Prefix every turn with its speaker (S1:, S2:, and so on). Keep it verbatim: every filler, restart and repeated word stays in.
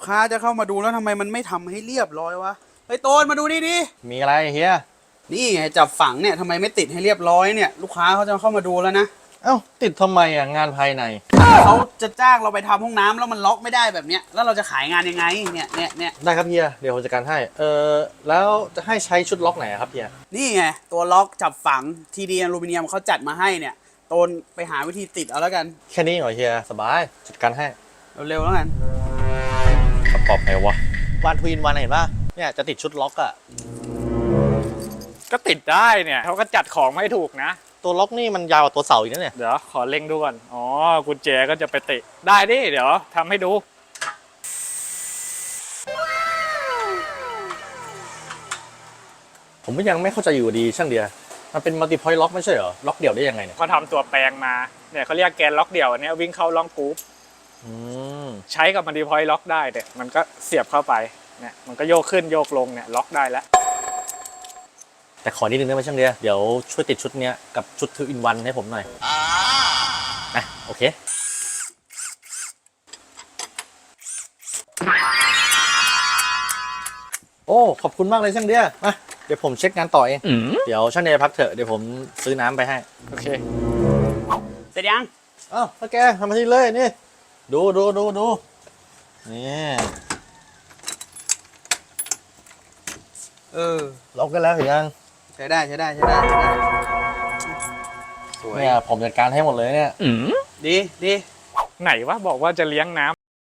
S1: ค้าจะเข้ามาดูแล้วทำไมมันไม่ทำให้เรียบร้อยวะเฮ้ยโตนมาดูนี่ดิ
S2: มีอะไรเฮีย
S1: นี่ไงจับฝังเนี่ยทำไมไม่ติดให้เรียบร้อยเนี่ยลูกค้าเขาจะเข้ามาดูแล้วนะ
S2: เอ้าติดทำไมอ่ะงานภายใน
S1: เขาจะจ้างเราไปทำห้องน้ำแล้วมันล็อกไม่ได้แบบเนี้ยแล้วเราจะขายงานยังไงเนี่ยเนี่ยเนี่ย
S2: ได้ครับเฮียเดี๋ยวผมจัดการให้เออแล้วจะให้ใช้ชุดล็อกไหนอะครับเฮีย
S1: นี่ไงตัวล็อกจับฝังทีดีอลูมิเนียมเขาจัดมาให้เนี่ยโตนไปหาวิธีติดเอาแล้วกัน
S2: แค่นี้เหรอเฮียสบายจัดการให้
S1: เร็วๆแล้วกัน
S2: ประกอบไงวะวันทวินวันเห็นป่ะเนี่ยจะติดชุดล็อกอะ
S3: ก็ติดได้เนี่ยเขาก็จัดของไม่ถูกนะ
S2: ตัวล็อกนี่มันยาวกว่าตัวเสาอีกนะเนี่ย
S3: เดี๋ยวขอเล็งดูก่อน อ๋อ กุญแจก็จะไปติดได้ดิ เดี๋ยวทำให้ดู
S2: ผมก็ยังไม่เข้าใจอยู่ดีช่างเดียมันเป็นมัลติพอยต์ล็อกไม่ใช่เหรอล็อกเดี่ยวได้ยังไงเนี่ย
S3: เขาทำตัวแปลงมา เนี่ยเขาเรียกแกนล็อกเดี่ยวอันเนี้ยวิ่งเข้าล็อกกรุ๊ป
S2: อืม
S3: ใช้กับมันดีพอยต์ล็อกได้เนี่ยมันก็เสียบเข้าไป เนี่ยมันก็โยกขึ้นโยกลงเนี่ยล็อกได้แล้ว
S2: แต่ขอนิดนึงได้ไหมช่างเดียเดี๋ยวช่วยติดชุดเนี้ยกับชุดทูอินวันให้ผมหน่อยอ่ะโอเคโอ้ขอบคุณมากเลยช่างเดียมาเดี๋ยวผมเช็คงานต่อเองเดี๋ยวช่างเดียพักเถอะเดี๋ยวผมซื้อน้ำไปให้
S3: โอเค
S1: เสร็จยัง
S2: อ้าวพ่อแกทำมาที่เลยนี่ดูดูดูดูนี่
S1: เออ
S2: ล็อกกันแล้วเห็นยัง
S1: ใช้ได้ใช้ได้ใช้ได้ใช้ได้สวย
S2: เนี่ยผมจัดการให้หมดเลยเนี่ย
S1: ดีดี
S3: ไหนวะบอกว่าจะเลี้ยงน้